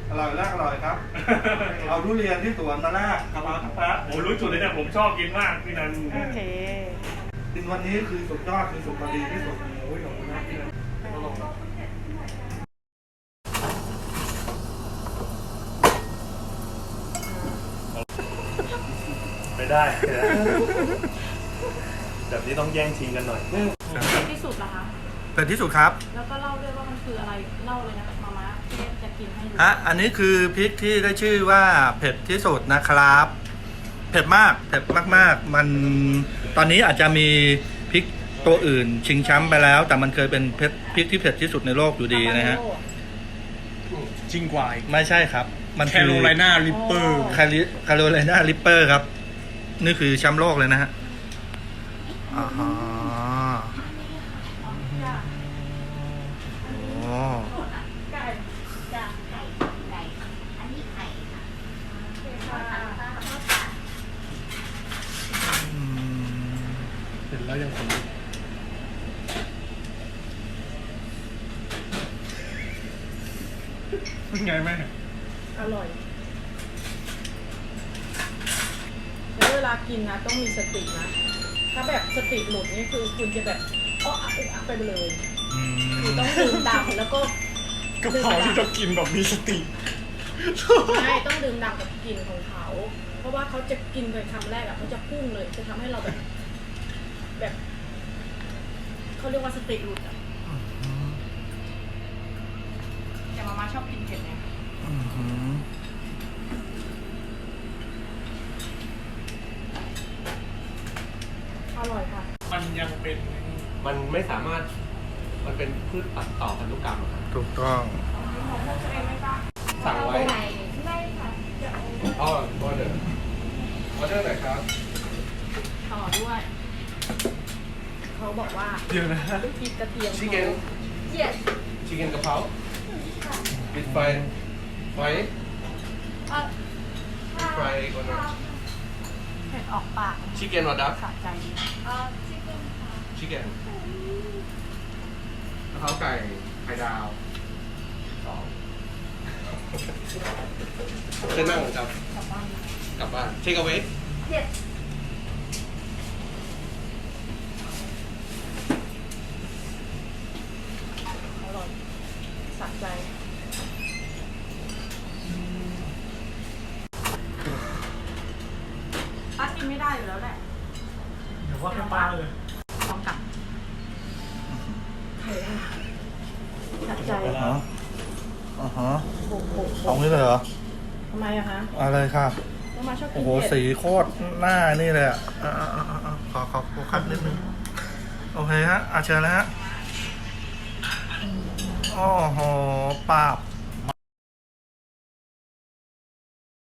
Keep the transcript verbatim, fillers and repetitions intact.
อร่อยแรกอร่อยครับเอาทุเรียนที่สวนมาแรกกะเพราทั้งแป๊ะโอ้รู้จุดเลยเนี่ยผมชอบกินมากพี่นันโอเคกินวันนี้คือสุดยอดคือสุดพอดีที่สุดโอ้ยขอบคุณนะพี่นันไปได้แบบนี้ต้องแย่งชิงกันหน่อยที่สุดเหรอคะเผ็ดที่สุดครับแล้วก็เล่าด้วยว่ามันคืออะไร เล่าเลยนะมาม่าที่จะกินให้ดูฮะอันนี้คือพริกที่ได้ชื่อว่าเผ็ดที่สุดนะครับ เผ็ดมากเผ็ดมากๆมันตอนนี้อาจจะมีพริกตัวอื่นชิงแชมป์ไปแล้ว แต่มันเคยเป็นเผ็ดพริกที่เผ็ดที่สุดในโลกอยู่ดีนะฮะจริงกว่าอีกไม่ใช่ครับ มันแคโรไลนาริปเปอร์แคลิแคโรไลนาริปเปอร์ครับนี่คือแชมป์โลกเลยนะฮะอ่าฮะโอ้ไก่จ้ะไก่ไก่อันนี้ไข่ค่ะอืมเห็นแล้วยังขนลุกเป็นไงแม่อร่อยแล้วเวลากินนะต้องมีสตินะ ถ้าแบบสติหลุดนี่คือคุณจะแบบอ้ออะอึกอักไปเลยอืคือมต้องดื่มด่ำแล้วก็กระเพราที่ต้องกินแบบมีสติใช่ต้องดื่มด่ำกับกลิ่นของเขา เพราะว่าเขาจะกินไปคำแรกอะเขาจะพุ่งเลย จะทำให้เราแบบ แบบเขาเรียกว่าสติหลุดอะแต่มาม่าชอบกินเผ็ดไงอืมอร่อยค่ะมันยังเป็นมันไม่สามารถมันเป็นพืชตัดต่อพันธุกรรมอะครับถูกต้องสั่งไว้ไม่ค่ะอ๋อออเดอร์ออเดอร์ไหนครับต่อด้วย เขาบอกว่าเดี๋ยวนะลูกพริกกระเทียมชิคเก้น yes ชิคเก้นกะเพราปิดไฟไฟเอ่อปิดไฟก่อนนะเผ็ดออกปากชิคเก้นวอดับสะใจดีเอ่อชิคเก้นค่ะชิคเก้นกะเพราไก่ไข่ดาวสองเชิญนั่งครับกลับบ้านกลับบ้านเทคเอาไว้ yes อร่อยสะใจป้ากินไม่ได้อยู่แล้วแหละเดี๋ยวว่าให้ป้าเลยลองกลับสะใจอ่าฮะอ่าฮะโอ้โหเอางี้เลยเหรอทำไมอะคะอะไรค่ะต้องมาชอบกิโอ้นโหเผ็ดสีโคตรหน้านี่เลยอ่ะอ่าอ่าอ่าอ่าขอขอโฟกัสนิดนึง โอเคฮะอาเชิญแล้วฮะโอ้โหปาบ